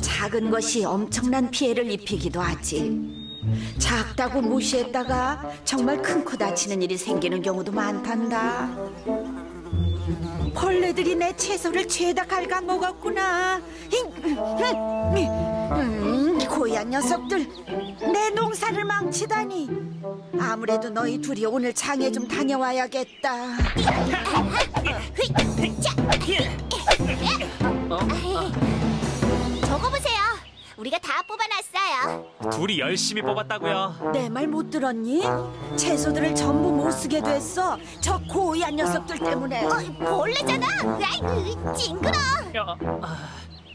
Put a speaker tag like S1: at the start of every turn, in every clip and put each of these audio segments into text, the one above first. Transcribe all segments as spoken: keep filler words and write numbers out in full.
S1: 작은 것이 엄청난 피해를 입히기도 하지. 작다고 무시했다가 정말 큰 코 다치는 일이 생기는 경우도 많단다. 벌레들이 내 채소를 죄다 갉아먹었구나. 음, 고얀 녀석들, 내 농사를 망치다니. 아무래도 너희 둘이 오늘 장에 좀 다녀와야겠다.
S2: 저거 보세요. 우리가 다 뽑아놨어요.
S3: 둘이 열심히 뽑았다고요.
S1: 내 말 못 들었니? 채소들을 전부 못 쓰게 됐어. 저 고얀 녀석들 때문에.
S2: 어, 벌레잖아. 아이고, 징그러.
S3: 어, 아,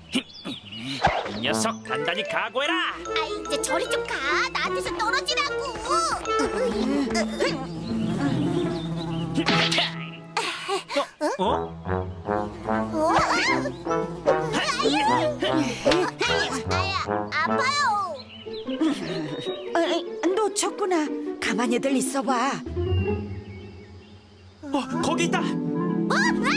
S3: 이 녀석 단단히 각오해라.
S2: 아이, 이제 저리 좀 가. 나한테서 떨어지라고.
S3: 어? 어?
S2: 어? 아야, 아파요.
S1: 어이, 놓쳤구나. 가만히들 있어봐.
S3: 어, 거기 있다.
S2: 어?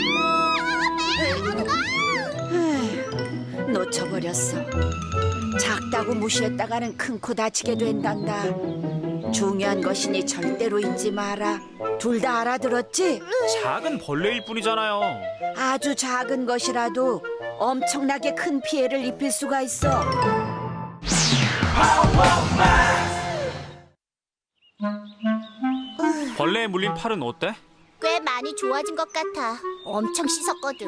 S1: 에휴, 놓쳐버렸어. 작다고 무시했다가는 큰 코 다치게 된단다. 중요한 것이니 절대로 잊지 마라. 둘 다 알아들었지?
S3: 작은 벌레일 뿐이잖아요.
S1: 아주 작은 것이라도 엄청나게 큰 피해를 입힐 수가 있어.
S3: 벌레에 물린 팔은 어때?
S2: 꽤 많이 좋아진 것 같아. 엄청 씻었거든.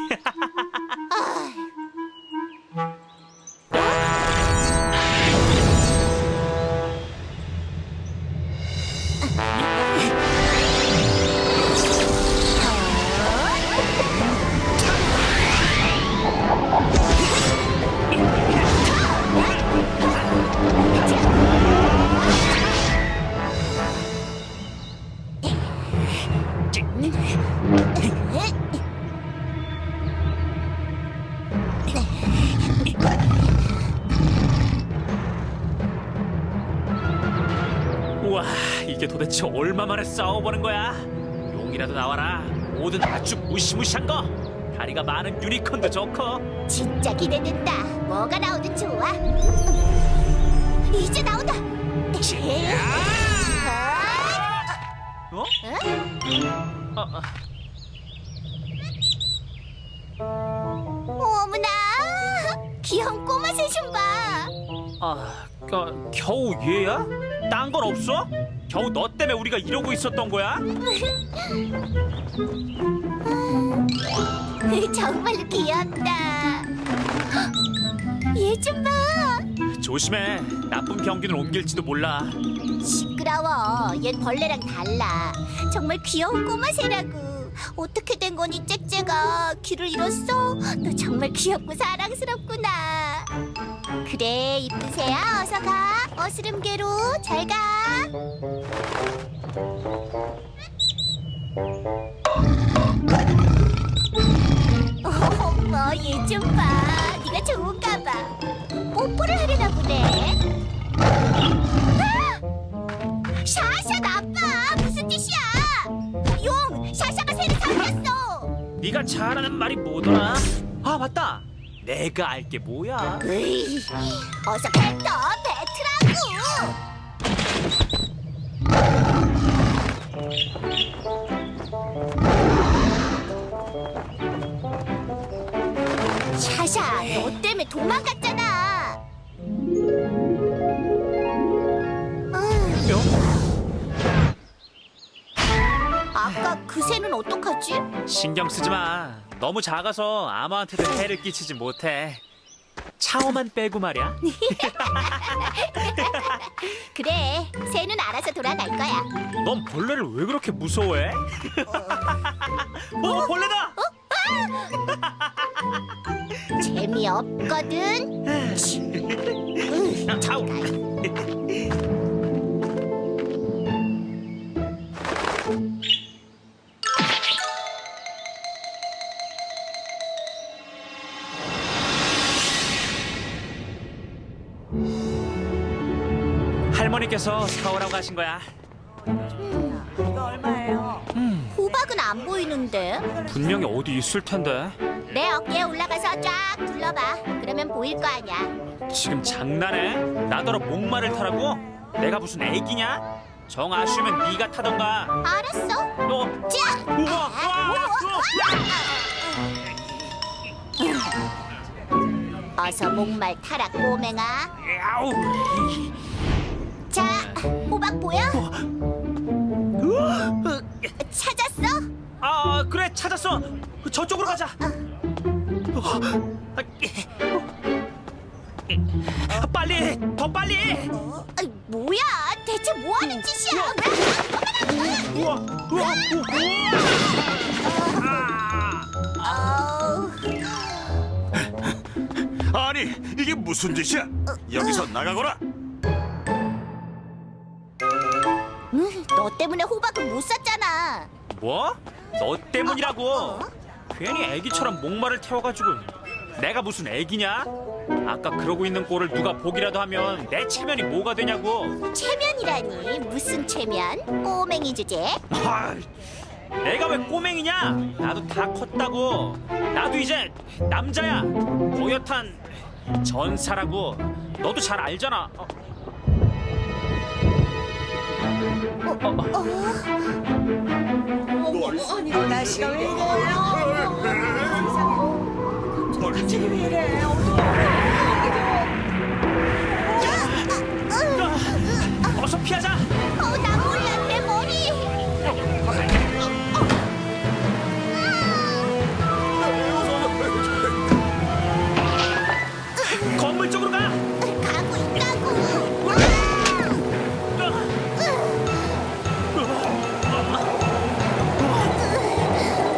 S3: 우와, 이게 도대체 얼마 만에 싸워보는 거야? 용이라도 나와라. 뭐든 아주 무시무시한 거. 다리가 많은 유니콘도 좋고.
S2: 진짜 기대된다. 뭐가 나오든 좋아. 이제 나온다.
S3: 어? 어, 어.
S2: 어머나, 귀여운 꼬마 새 좀 봐.
S3: 아, 겨, 겨우 얘야? 딴 건 없어? 겨우 너 때문에 우리가 이러고 있었던 거야?
S2: 정말로 귀엽다. 얘 좀 봐.
S3: 조심해. 나쁜 병균을 옮길지도 몰라.
S2: 시끄러워. 얜 벌레랑 달라. 정말 귀여운 꼬마 새라고. 어떻게 된 거니, 짹짹아? 귀를 잃었어? 너 정말 귀엽고 사랑스럽구나. 그래, 이쁜 새야. 어서 가. 어스름개로 잘 가. 어머, 얘 좀 봐. 네가 좋은가 봐. 뽀뽀를 하려나 보네. 아! 샤샤 나빠. 무슨 짓이야? 용, 샤샤가 새를 삼켰어.
S3: 네가 잘하는 말이 뭐더라? 아, 맞다. 내가 알게 뭐야?
S2: 으이, 어서 뱉어, 뱉으라고. 샤샤, 너 때문에 도망갔잖아. 아까 그 새는 어떡하지?
S3: 신경 쓰지 마. 너무 작아서 아무한테도 해를 끼치지 못해. 차오만 빼고 말이야.
S2: 그래, 새는 알아서 돌아갈 거야.
S3: 넌 벌레를 왜 그렇게 무서워해? 어, 벌레다!
S2: 재미없거든. 으,
S3: 차오. 할머니께서 사오라고 하신 거야.
S1: 이거 얼마예요?
S2: 호박은 안 보이는데.
S3: 분명히 어디 있을 텐데.
S2: 내 어깨에 올라가서 쫙 둘러. 눌러봐. 그러면 보일 거 아니야.
S3: 지금 장난해? 나더러 목마를 타라고? 내가 무슨 애기냐? 정 아쉬우면 네가 타던가.
S2: 알았어.
S3: 너
S2: 자,
S3: 우와, 우와,
S2: 어서 목말 타라 꼬맹아.
S3: 아우.
S2: 자, 호박 보여? 찾았어?
S3: 아 그래 찾았어. 저쪽으로 가자. 빨리 더 빨리.
S2: 아이, 뭐야? 대체 뭐 하는 짓이야?
S3: 우와 우와
S2: 어우,
S4: 아니 이게 무슨 짓이야? 여기서 나가거라.
S2: 음, 너 때문에 호박은 못 샀잖아.
S3: 뭐? 너 때문이라고. 괜히 애기처럼 목마를 태워가지고. 내가 무슨 애기냐? 아까 그러고 있는 꼴을 누가 보기라도 하면 내 체면이 뭐가 되냐고.
S2: 체면이라니 무슨 체면? 꼬맹이 주제.
S3: 아, 내가 왜 꼬맹이냐? 나도 다 컸다고. 나도 이제 남자야. 고요탄 전사라고. 너도 잘 알잖아. 어.
S1: 날씨가 왜 이래요? 갑자기 왜 이래요?
S3: 아, 어서 피하자.
S2: 어, 나 몰라.